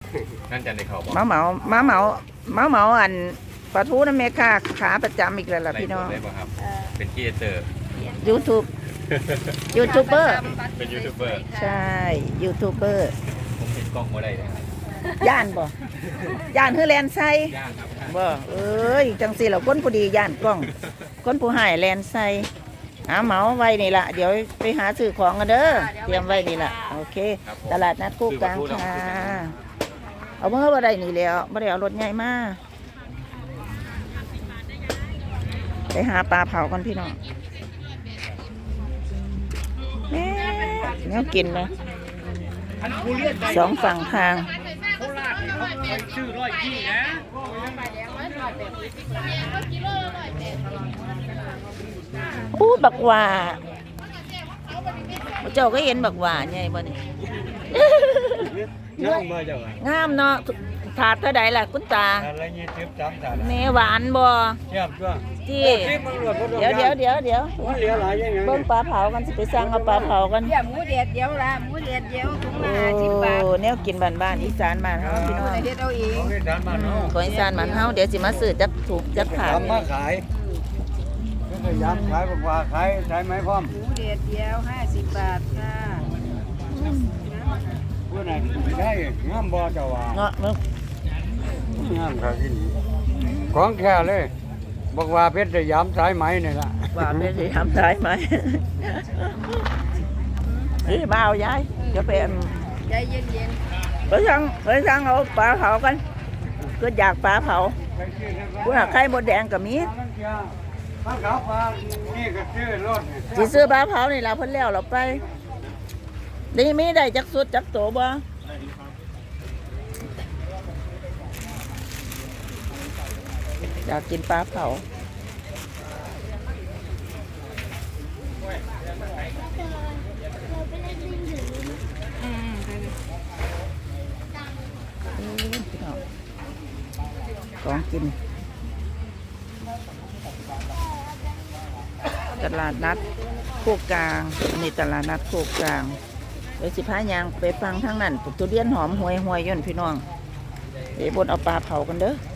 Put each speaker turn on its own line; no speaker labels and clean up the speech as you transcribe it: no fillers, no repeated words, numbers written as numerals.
นั่นจะในเขาบอก
เหมาอันปลาทูน้ำเมค่าขาประจำอีกแล้วล่ะพี่น้อง
ได้ป่ะครับเป็นครีเอเตอร์
YouTube ยูทูบเบอร์
เป็นยูทูบเบอร์
ใช่ยูทูบเบอร์
ผมติดกล้องมาได้นะครับ
ย่านบ่ย่านคือแลนไซ
ย่างครับ
บ่เอ้ยจังสิเราคนผู้ดีย่านกล้อง คนผู้หายแลนไซเหมาไว้นี่ล่ะเดี๋ยวไปหาซื้อของกันเด้อเตรียมไว้นี่ล่ะโอเค ตลาดนัดคู่กลางค่ะเอาเมื่อวันใดนี่แล้วบ่ได้เอารถใหญ่มาไปหาปลาเผากันพี่น้องแม่แนวกินนะสองฝั่งทางอู้บักหว่าเจ้าก็เห็นบักหว่าไงบ่นี่
น้องมาจากไหน
งามเนาะถาดเท่าใดล่ะคุณตา
อะไรเงี้ยเจ็บจำถาด
แม่หวานบ่
เจ็บด้วย
ที่เดี๋ยว
มันเหลือหลายยังไง
เบิ่งปลาเผากันสิไปสั่งเอาปลาเผากัน
เดี๋ยวหมูเด็ดเดี๋ยวละหมูเด็ดเดี๋ยวถุง
โอ้
ละ50 บาท
แนวกินบ้านๆอีสานบ้านเฮาพี่น้อง
เด็ดเอาเอง
ของที่ร้านบ้านเนาะ
ของอีสานบ้านเฮาเดี๋ยวสิมาซื้อจับถูกจับถาด
ทำมาขายก็จะย้ำขายบอกว่าขายใช้ไม้พร้อม
หมูเด็ดเดียว50 บาทค่ะ
ผู้นั้นไม่ได้งามบ่เจ้าว่า
เงาะมึง
งามครับที่นี่ของแค่เลยบอกว่าเพชรสยามสายไหมนี่ล่ะ
ว่าไม่สิทำได้ไหมนี่มาเอายายเดี๋ยวไป
ใจเย็น
ไปสั่งเอาปลาเผากันก็อยากปลาเผาผู้หาไข่มดแดงกับมี
ข้าวขาวปลานี่ก็ซื้อรถ
สิซื้อปลาเผานี่เราเพิ่นแล้วเราไปนี่มีได้จักสุดจักโตบ่อยากกินปลาเผาของกินตลาดนัดโคกกลางนี่ตลาดนัดโคกกลางเดี๋ยวสิพายางไปฟังทางนั้นปลูกทุเรียนหอมห่วยย่นพี่น้องเดี๋ยวบนเอาปลาเผากันเด้อ